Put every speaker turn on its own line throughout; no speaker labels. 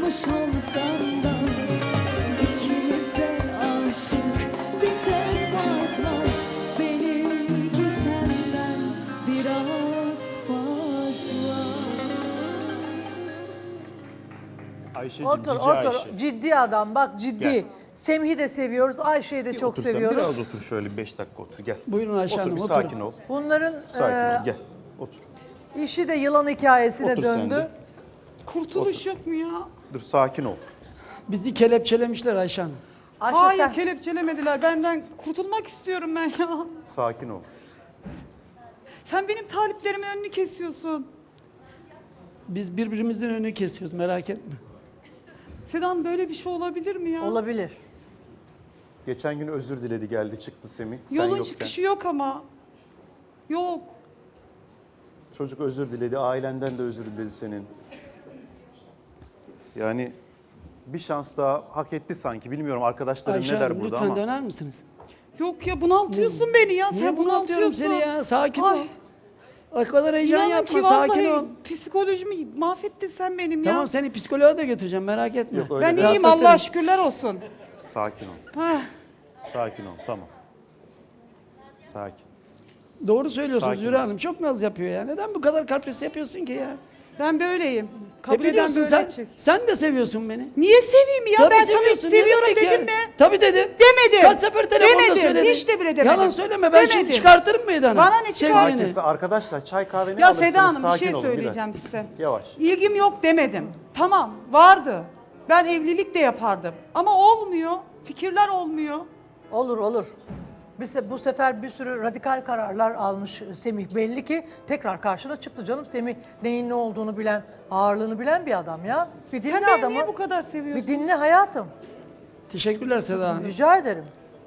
olsan da ikimiz de aşık, bir tek fark var, benimki senden biraz fazla.
Ayşe'cim,
Otur,
cici
otur.
Ayşe.
Ciddi adam, bak ciddi.
Gel.
Semih'i de seviyoruz, Ayşe'yi de
Bir
çok
otur sen,
seviyoruz.
Biraz otur şöyle 5 dakika otur gel.
Buyurun Ayşe
Otur
Hanım,
bir
oturun.
sakin ol.
Bunların
Sakin ol gel. Otur.
işi de yılan hikayesine
Otur sen
döndü.
de.
Kurtuluş yok mu ya?
Dur sakin ol.
Bizi kelepçelemişler Ayşe Hanım.
Ayşe
Hayır,
sen
kelepçelemediler. Benden kurtulmak istiyorum ben ya.
Sakin ol.
Sen benim taliplerimin önünü kesiyorsun.
Biz birbirimizin önünü kesiyoruz, merak etme.
Sedan, böyle bir şey olabilir mi ya?
olabilir.
Geçen gün özür diledi geldi çıktı Semih. Sen
Yolun
yokken.
çıkışı yok ama. Yok.
Çocuk özür diledi, ailenden de özür diledi senin. Yani bir şans daha hak etti sanki. Bilmiyorum arkadaşlarım
Ayşe
ne der
Hanım
burada
lütfen
ama.
döner misiniz?
Yok ya, bunaltıyorsun beni ya.
Niye
Sen
bunaltıyorum
bunaltıyorsun.
seni ya? Sakin
Ay,
ol. O kadar heyecan
İnanın
yapma,
ki
sakin
vallahi
ol.
psikolojimi mahvettin sen benim ya.
Tamam, seni psikoloğa da götüreceğim, merak etme.
Yok, öyle
Ben
değil.
iyiyim,
Rahatlatırım.
Allah'a şükürler olsun.
Sakin ol.
Heh.
Sakin ol. Tamam. Sakin.
Doğru söylüyorsunuz
Sakin
Zühre
ol.
Hanım, çok naz yapıyor ya. Neden bu kadar kapris yapıyorsun ki ya?
Ben böyleyim. Kabul eden
biliyorsun
böyle
sen,
edecek.
sen de seviyorsun beni.
Niye seveyim ya?
Tabii
Ben sana hiç
seviyorsun, ne
seviyorum
demek ya?
dedim mi?
Tabii dedim.
Demedim.
Kaç sefer telefonda
Demedim,
söyledin.
hiç de bile demedim.
Yalan söyleme, ben şimdi
Demedim.
çıkartırım meydana.
Bana ne çıkar?
Sevgilini.
Sakinse arkadaşlar çay kahve ne
Ya
alırsınız?
Seda Hanım, bir
Sakin
şey
olun,
söyleyeceğim
dakika.
size.
Yavaş.
İlgim yok demedim. Tamam, vardı. Ben evlilik de yapardım. Ama olmuyor. Fikirler olmuyor.
Olur olur. Bu sefer bir sürü radikal kararlar almış Semih. Belli ki tekrar karşına çıktı canım. Semih neyin ne olduğunu bilen, ağırlığını bilen bir adam ya. Bir dinle
Sen beni
adamı.
niye bu kadar seviyorsun?
Bir dinle hayatım.
Teşekkürler Seda Hanım.
Rica ederim.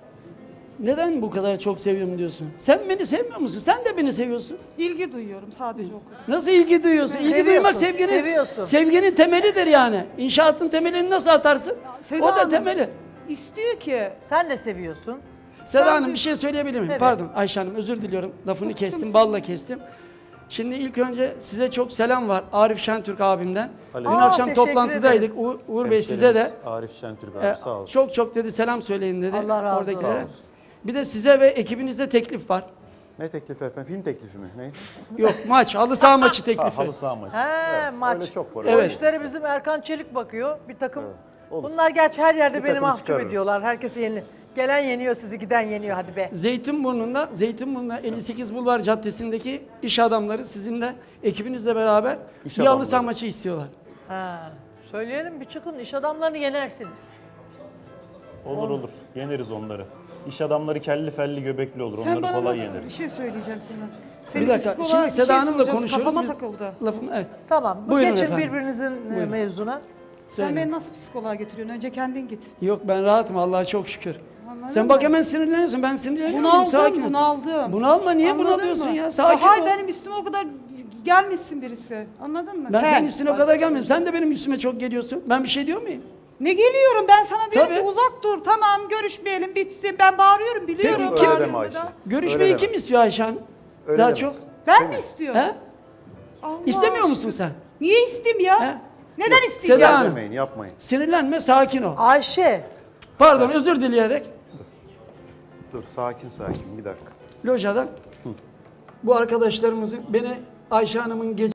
Neden bu kadar çok seviyorum diyorsun? Sen beni sevmiyor musun? Sen de beni seviyorsun.
İlgi duyuyorum sadece o kadar.
Nasıl ilgi duyuyorsun? İlgi
Seviyorsun,
duymak sevginin,
seviyorsun.
sevginin temelidir yani. İnşaatın temelini nasıl atarsın?
Seda
O da
Hanım,
temeli.
İstiyor ki.
Sen de seviyorsun.
Seda Hanım bir şey söyleyebilir miyim?
Evet.
Pardon Ayşe Hanım, özür diliyorum. Lafını kestim, balla kestim. Şimdi ilk önce size çok selam var Arif Şentürk abimden.
Aleyküm.
Dün
Aa,
akşam
teşekkür
toplantıdaydık.
ederiz.
Uğur Bey size de
Arif Şentürk abi sağ olsun.
çok çok dedi selam söyleyin dedi.
Allah razı olsun.
oradakilere.
Sağ olsun.
Bir de size ve ekibinizde teklif var.
Ne teklifi efendim? Film teklifi mi? Ne?
Yok maç, halı saha maçı teklifi.
Halı saha maçı.
He, maç.
Öyle çok var.
O
Evet.
işlere bizim Erkan Çelik bakıyor. Bir takım.
olur.
Bunlar gerçi her yerde
Bir
beni
takım
mahcup
çıkarırız.
ediyorlar. Herkesi yeni. Gelen yeniyor, sizi giden yeniyor, hadi be.
Zeytinburnu'nda 58 Bulvar Caddesi'ndeki iş adamları sizinle ekibinizle beraber
İş
bir halı
adamları.
saha maçı istiyorlar.
Ha, söyleyelim bir çıkın, iş adamlarını yenersiniz.
Olur olur. Yeneriz onları. İş adamları kelli felli göbekli olur.
Sen
Onları
bana
kolay
nasıl bir
yeneriz.
şey söyleyeceğim sana.
Bir
Senin
dakika.
psikoloğa
Şimdi
bir şey
Seda Hanım'la
soracağım,
konuşuyoruz.
Kafama
Biz
takıldı.
lafım evet.
Tamam,
Buyurun
geçin
efendim.
birbirinizin
Buyurun.
mevzuna.
Sen
Söyle.
beni nasıl psikoloğa götürüyorsun? Önce kendin git.
Yok ben rahatım Allah'a çok şükür.
Anladın
Sen
mı?
bak hemen sinirleniyorsun. Ben sinirleniyorum. Sakin ol.
Bunaldım.
Bunalma, niye
Anladın
bunalıyorsun
mı?
ya? Sakin
Hayır,
ol.
benim üstüme o kadar gelmişsin birisi. Anladın mı?
Ben
Sen.
senin üstüne o kadar gelmiyorum. Sen de benim üstüme çok geliyorsun. Ben bir şey diyor muyum?
Ne geliyorum, ben sana diyorum
Tabii.
ki uzak dur, tamam görüşmeyelim, bitsin. Ben bağırıyorum, biliyorum.
Peki,
Öyle
kim-
deme
bağırdığımda
Ayşe.
da.
Görüşmeyi
Öyle
kim
deme.
istiyor Ayşe Hanım?
Öyle
Daha
demez.
çok.
Ben mi istiyorum?
He?
Allah
İstemiyor
aşkına.
musun sen?
Niye isteyeyim ya?
He?
Neden isteyeceğim?
Seda Hanım.
Demeyin, yapmayın.
Sinirlenme, sakin ol.
Ayşe,
Pardon, özür dileyerek
Dur sakin sakin bir dakika.
lojadan bu arkadaşlarımızın beni Ayşe Hanım'ın gece